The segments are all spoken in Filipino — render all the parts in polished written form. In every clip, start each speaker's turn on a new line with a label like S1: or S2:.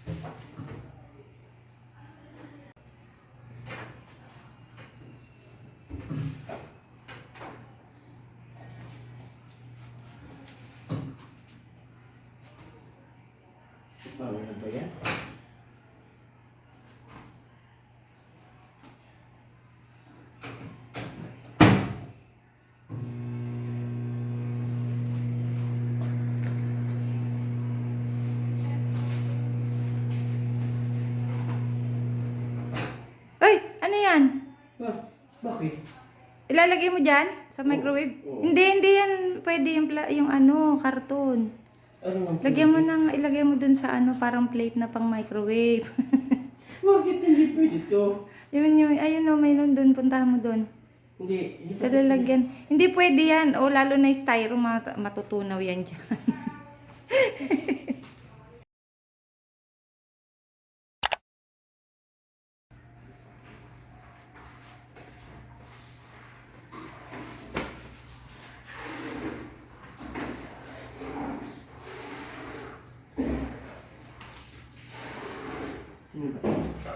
S1: Ano ba yan?
S2: Uy, ano yan?
S1: Bakit?
S2: Ilalagay mo dyan sa microwave?
S1: Oo.
S2: Hindi yan. Pwede yung ano, karton.
S1: Ano man?
S2: Lagyan mo ng, ilagay mo dun sa ano, parang plate na pang microwave.
S1: Bakit hindi pwede to?
S2: Yun, ayun o, mayroon dun, puntahan mo dun.
S1: Hindi.
S2: Sa lalagyan. Hindi pwede yan. O, lalo na yung styro, matutunaw yan dyan.
S1: Sino ba?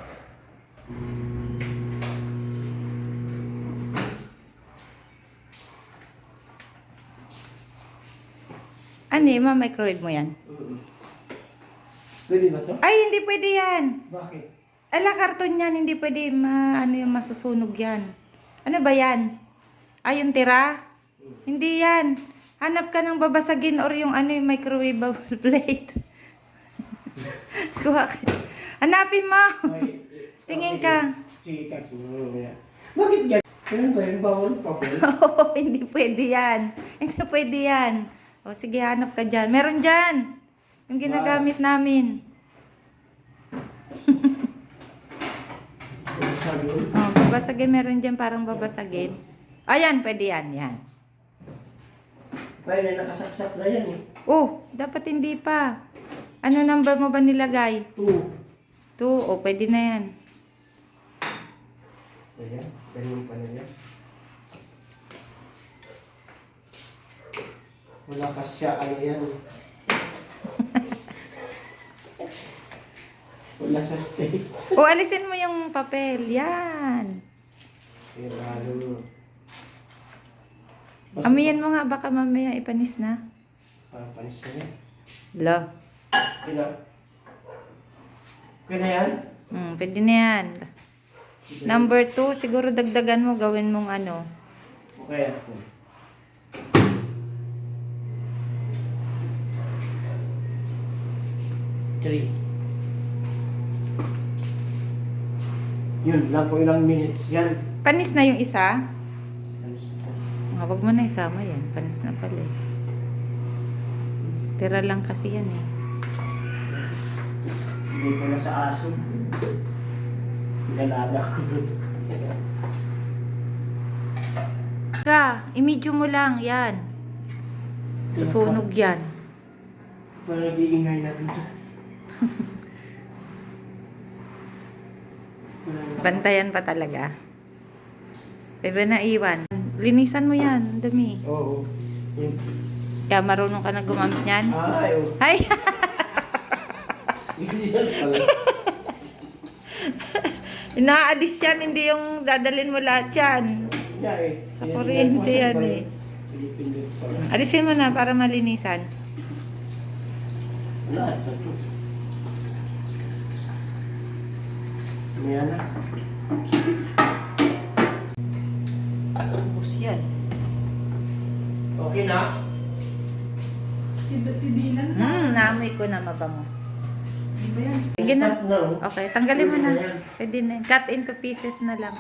S2: Ano eh, ma-microwave mo yan?
S1: Pwede ba to?
S2: Ay, hindi pwede yan.
S1: Bakit?
S2: Ala, karton yan. Hindi pwede, ano yung masusunog yan. Ano ba yan? Ay, yung tira? Hindi yan. Hanap ka ng babasagin or yung ano yung microwave plate. Kuha ka. Hanapin mo. Tingin ka.
S1: Sige, kasi bakit yan? Kailan ba yung bawal pa po?
S2: Oo, hindi pwede yan. Hindi pwede yan. O sige, hanap ka dyan. Meron dyan. Yung ginagamit namin.
S1: Sabi ko,
S2: Oh, babasagin. Meron dyan parang babasagin. Ayan, pwede yan. Yan.
S1: kaya na nakasaksak na yan eh.
S2: Oh, dapat hindi pa. Ano number mo ba nilagay?
S1: 2.
S2: 2. O, pwede na yan.
S1: Ayan, ganun pa na yan. Wala kasi siya, ano yan eh. Wala sa state.
S2: O, alisin mo yung papel. Yan.
S1: Pero lalo,
S2: Amiyan mo nga, baka mamaya ipanis na.
S1: panis na yan.
S2: Lo.
S1: Kaya? Kaya yan?
S2: Pwede na yan. Number 2, siguro dagdagan mo, gawin mong ano.
S1: Okay ako. Three. Yun lang po ilang minutes yan.
S2: Panis na yung isa.
S1: Alis na.
S2: Huwag mo na isama yan. Panis na pala eh. Tira lang kasi yan eh.
S1: Hindi ko na sa aso. Pinalaga ko dun.
S2: I-medium mo lang. Yan. Susunog yan.
S1: Parang nag-iingay na dun.
S2: Bantayan pa talaga. Pwede na iwan. Linisan mo yan. Ang dami.
S1: Oo. Yun.
S2: Kaya marunong ka na gumamit yan.
S1: Ay, oo.
S2: Ay!
S1: Yan pala.
S2: Inaalis yan. Hindi yung dadalhin mo lahat yan.
S1: Yeah, eh.
S2: Sa kuryente yan eh.
S1: Pilipindot pala.
S2: Alisin mo na para malinisan.
S1: Wala, ito. Ayan na.
S2: Ubus yan.
S1: Okay na?
S3: Si Dylan na.
S2: Naamoy ko na mabango.
S3: Di ba yan?
S2: Sige na.
S1: Start na, oh.
S2: Okay, tanggalin mo na.
S1: Pwede na yan.
S2: Pwede na. Cut into pieces na lang.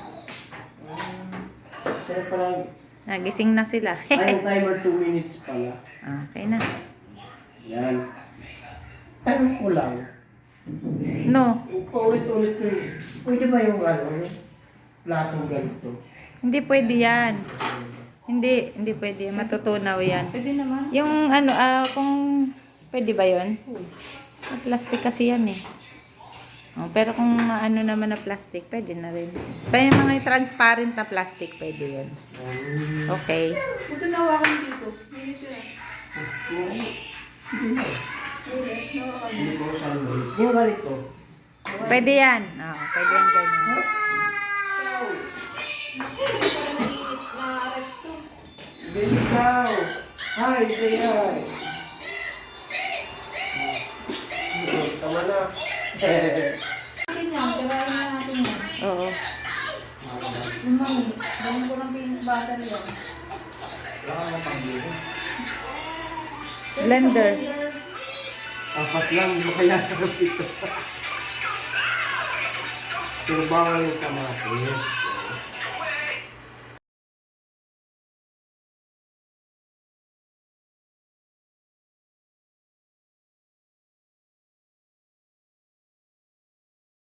S1: Sarap pala.
S2: Nagising na sila.
S1: Ay, yung timer 2 minutes pala.
S2: Okay na.
S1: Yan. Tanong ko lang.
S2: No,
S1: Paulit-ulit ko yun. Pwede ba yung ano, yung platong ganito?
S2: hindi pwede yan. Hindi pwede. Matutunaw yan.
S3: Pwede naman.
S2: Yung ano, kung pwede ba yun? Plastic kasi yan eh. Oh, pero kung ano naman na plastic, pwede na rin. Pero yung mga transparent na plastic, pwede yun. Okay.
S3: Huwag na hawakan dito. Linis yun.
S1: Sige na. Hindi ko sa yung ganito.
S2: Pwede yan. Oh, pwede yan ganyan.
S1: Baby cow. Hi, say hi. Tama na.
S3: Akin yan, tirahin na natin yan.
S2: Oo.
S3: Lumang, gawin ko ng pink battery yan.
S2: Blender.
S1: Apat lang, makayata ng pito. Pero bawal yung kamatis.